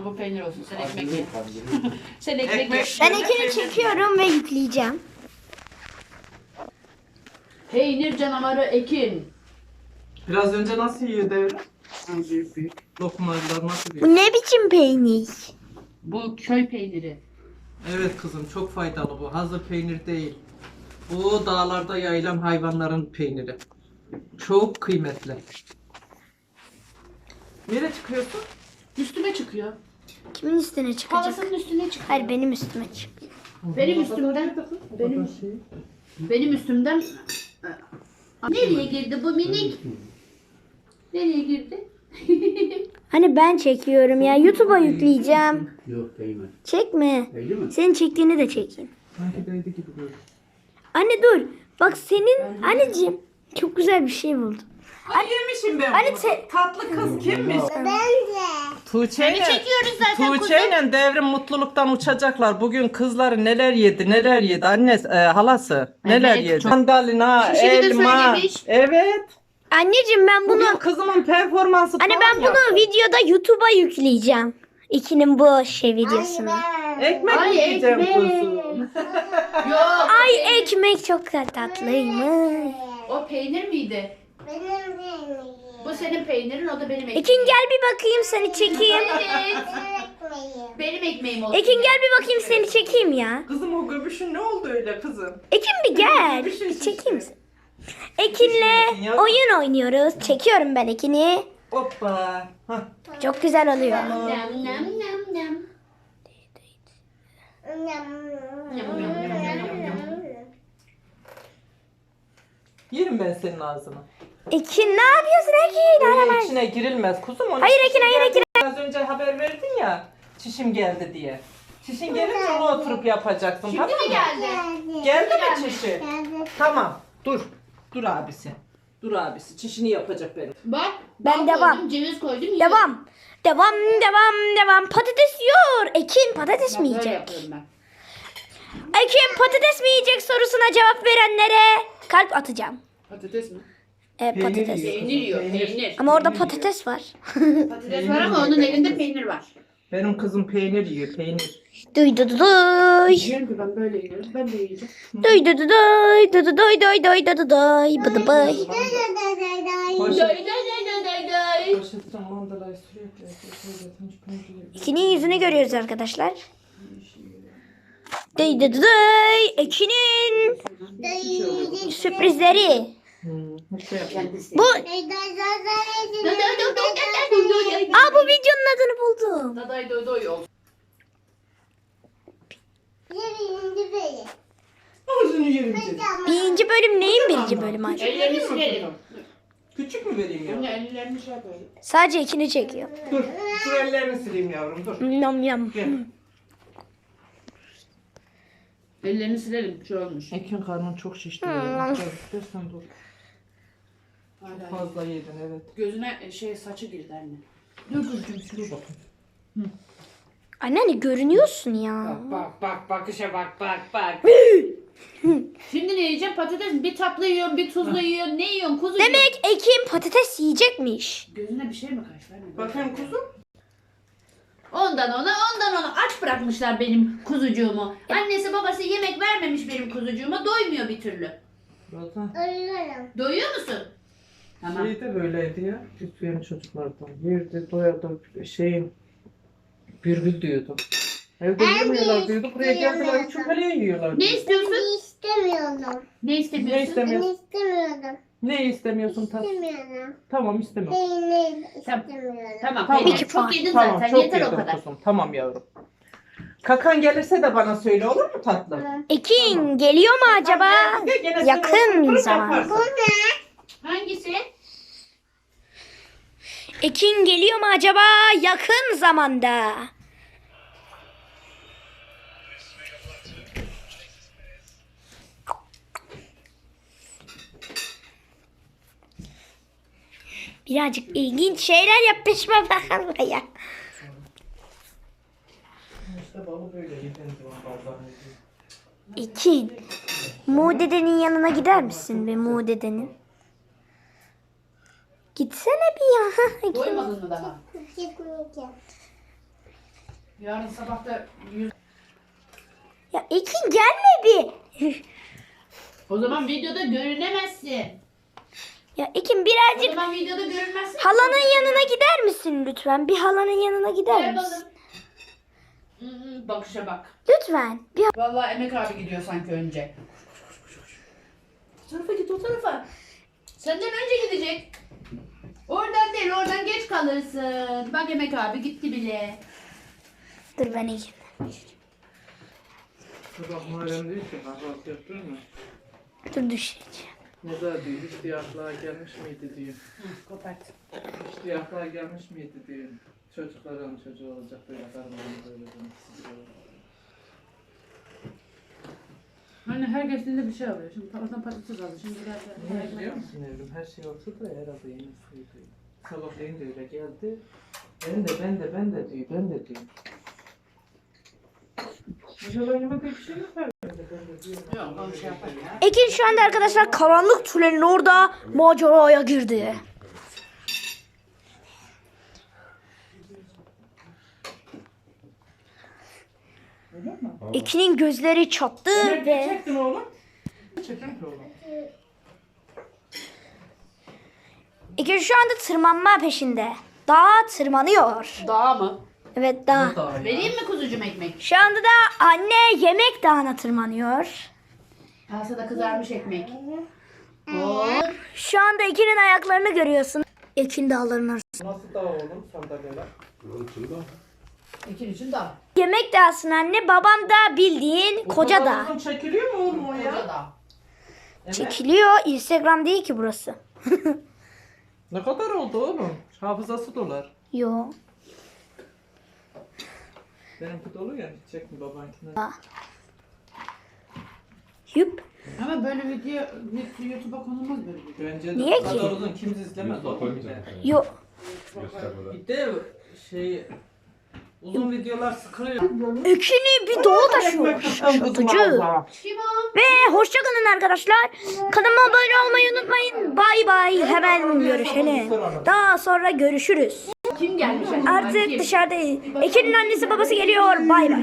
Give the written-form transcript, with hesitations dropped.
Bu peynir olsun. Sen ekmek ye. Sen ekmek ye. Ben Ekin'i çekiyorum ve yükleyeceğim. Peynir canavarı Ekin. Biraz önce nasıl yiyordu Evren? Büyük. Lokmalar nasıl yiyor? Bu ne biçim peynir? Bu köy peyniri. Evet kızım, çok faydalı bu. Hazır peynir değil. Bu dağlarda yayılan hayvanların peyniri. Çok kıymetli. Nereye çıkıyorsun? Üstüme çıkıyor. Kimin üstüne çıkacak? Halasının üstüne çıkıyor. Hayır, benim üstüme çık. Benim üstümden. Benim üstümden. Nereye girdi bu minik? Nereye girdi? Hani ben çekiyorum ya. YouTube'a yükleyeceğim. Yok değmez. Çekme. Değdi mi? Senin çektiğini de çekeyim. Sanki değdi gibi böyle. Anne dur. Bak senin anneciğim çok güzel bir şey buldum. Ay yemişim ben Anne bunu. sen... Tatlı kız kimmiş? Tuğçe Seni çekiyoruz zaten Tuğçe ile Devrim mutluluktan uçacaklar. Bugün kızları neler yedi annesi halası neler Evet, yedi. çok- Mandalina, Şişini de elma. söylemiş. Evet. Anneciğim ben bunu... Bugün kızımın performansı Anne falan ben bunu yaptı. videoda YouTube'a yükleyeceğim. İkinin bu şey videosunu. Ekmek Ay, mi yiyeceğim ekmek. kuzum? Yok. Ay ekmek çok tatlıymış. O peynir miydi? Bu senin peynirin, o da benim ekmeğim. Ekin gel bir bakayım seni çekeyim. Evet. Benim ekmeğim olsun. Ekin gel bir bakayım seni çekeyim ya. Kızım o göbüşün ne oldu öyle kızım? Ekin bir gel. Bir şey Bir çekeyim şişti. seni. Ekin'le oyun oynuyoruz. Çekiyorum ben Ekin'i. Hoppa. Hah. Çok güzel oluyor. Nam nam nam nam. Yerim ben senin ağzını. Ekin ne yapıyorsun Ekin? Öyle Aramaz. içine girilmez kuzum. Onun Hayır, çişin Ekin, hayır, geldi. Ekin. Az önce haber verdin ya. Çişim geldi diye. Çişin gelince onu oturup yapacaksın. Şimdi tamam mi mı? geldi? Geldi mi çişi? Tamam. Dur. Dur abisi. Dur abisi. Çişini yapacak benim. Bak. Ben bal devam. koydum, ceviz koydum. yiyorum. Devam. Devam. Patates yiyor. Ekin patates mi Bak, böyle yiyecek? yapıyorum ben. Ekin patates mi yiyecek sorusuna cevap verenlere kalp atacağım. Patates mi? Evet patates. yiyor. Peynir yiyor, peynir. Ama orada patates var. Patates var ama onun elinde peynir var. Benim kızım peynir yiyor. Peynir. Duy du du duy. Yiyorum ki ben böyle yiyorum. Ben de yiyeceğim. Duy du du duy. Du du duy duy duy du du duy. Bıdı bıy. Day day day day day day. Poşetten mandalayı sürekli. Ekin'in yüzünü görüyoruz arkadaşlar. Duy du du duy. Ekin'in sürprizleri. Bu bu videonun adını buldum. Daday doy doy olsun. Ağzını yerim seni. Birinci bölüm neyin birinci bölümü acaba? Ellerini silelim. Küçük mü vereyim ya? Şimdi ellerini şey yapalım. Sadece Ekin'i çekiyor. Dur. Şu ellerini sileyim yavrum dur. Yam yam. Gel. Ellerini silelim. Bir şey olmuş. Ekin karnın çok şişti. Biraz istersen dur. Hala. Fazla yedin evet. Gözüne saçı girdi anne. Dur bakayım. Anneanne görünüyorsun ya. Bak bakışa bak. Şimdi ne yiyeceğim? Patates mi? Bir tatlı yiyorsun, bir tuzlu yiyorsun. Ne yiyorsun? Kuzu yiyorsun. Demek Ekin patates yiyecekmiş. Gözüne bir şey mi kaç vermedi? Bakayım kuzum. Ondan ona aç bırakmışlar benim kuzucuğumu. Annesi babası yemek vermemiş benim kuzucuğuma. Doymuyor bir türlü. Zaten Doyuyor musun? Tamam. şey de böyleydi ya. Küçüyen çocuklardan. Yerde doyadı bülbül diyordu. Evde yemiyorlar diyordu. Buraya geldiler çöpeliğe yiyorlar. Ne istiyorsun? İstemiyorum. Ne Ne istemiyorsun? istemiyorsun? İstemiyorum. Ne istemiyorsun tatlım? İstemiyorum. Tamam istemiyorum. Peynir Tamam. istemiyorum. Tamam. Tamam. Peynir İki çok puan. yedin Tamam zaten. çok Yeter o yedim kadar. kuzum. Tamam yavrum. Kakan gelirse de bana söyle olur mu tatlım? Ekin geliyor mu acaba? Gene sen Yakın oturup zaman. yaparsın. Hangisi? Ekin geliyor mu acaba yakın zamanda? Birazcık ilginç şeyler yapışma bakalım ya. İşte balı böyle yedin bazen. Ekin, Mu dedenin yanına gider misin be Mu dedenin? Gitsene bir ya. Doymadın mı daha? Gitmeyeceğim. Yarın sabah da 100. Ya Ekin gelme bir. O zaman videoda görünemezsin. Ya Ekin O birazcık zaman videoda görünmezsin. halanın yanına gider misin lütfen? Bir halanın yanına gider Gel misin? balım. Bakışa bak. Lütfen. Bir Vallahi Emek abi gidiyor sanki önce. O tarafa git, o tarafa. Senden önce gidecek. Oradan değil, oradan geç kalırsın. Bak Emek abi gitti bile. Dur ben Ekin. Sabah Muharrem değil ki kahvaltı yaptın mı? Dur düşeceğim. Ne da diyor, hiç diye aklığa gelmiş miydi diyor. Kopart. Hiç diye aklığa gelmiş miydi diyor. Çocukların çocuğu olacak da yaparım onu böyle demek istiyor. Hani her geçtiğinde bir şey oluyor. Şimdi oradan patates aldı. Şimdi Ne biliyor musun evrim? Her şey olsa da herhalde yenisiydi. Sabahleyin de öyle geldi. Ben de diyor. İnşallah yemekte bir şey yok herhalde. Ben de diyorum. Yok, onu şey yapar ya. Ekin şu anda arkadaşlar karanlık tünelin orada maceraya girdi. Öyle mi? Ekin'in gözleri çattı Ne ve çektin oğlum? Çekin ki oğlum. Ekin şu anda tırmanma peşinde. Dağa tırmanıyor. Dağ mı? Evet dağ. Vereyim mi kuzucum ekmek? Şu anda da anne yemek dağına tırmanıyor. Kasada kızarmış ekmek. Oo. Şu anda Ekin'in ayaklarını görüyorsun. Ekin dağların arasında. Nasıl dağ oğlum sandalyeler? Ekin için dağ. Yemek dağısın anne. Babam da bildiğin koca kadar dağ. uzun çekiliyor mu oğlum o ya? Koca dağ. Evet. Çekiliyor. Instagram değil ki burası. Ne kadar oldu oğlum? Hafızası dolar. Yo. Benimki dolu ya. Hiç çekme babankine. Yup. Ama böyle video YouTube'a konulmaz böyle video. Bence de Niye bu kadar ki? uzun kim izlemez oğlum bir de. Yo. Bir de şey uzun videolar sıkılıyor. Ekin'i bir dağa taşıyor. Şaşırtıcı. Kim o? Ve hoşçakalın arkadaşlar. Kanalıma abone olmayı unutmayın. Bay bay. Hemen görüşelim. Daha sonra görüşürüz. Kim gelmiş? Artık dışarıdayız. Ekin'in annesi babası geliyor. Bay bay.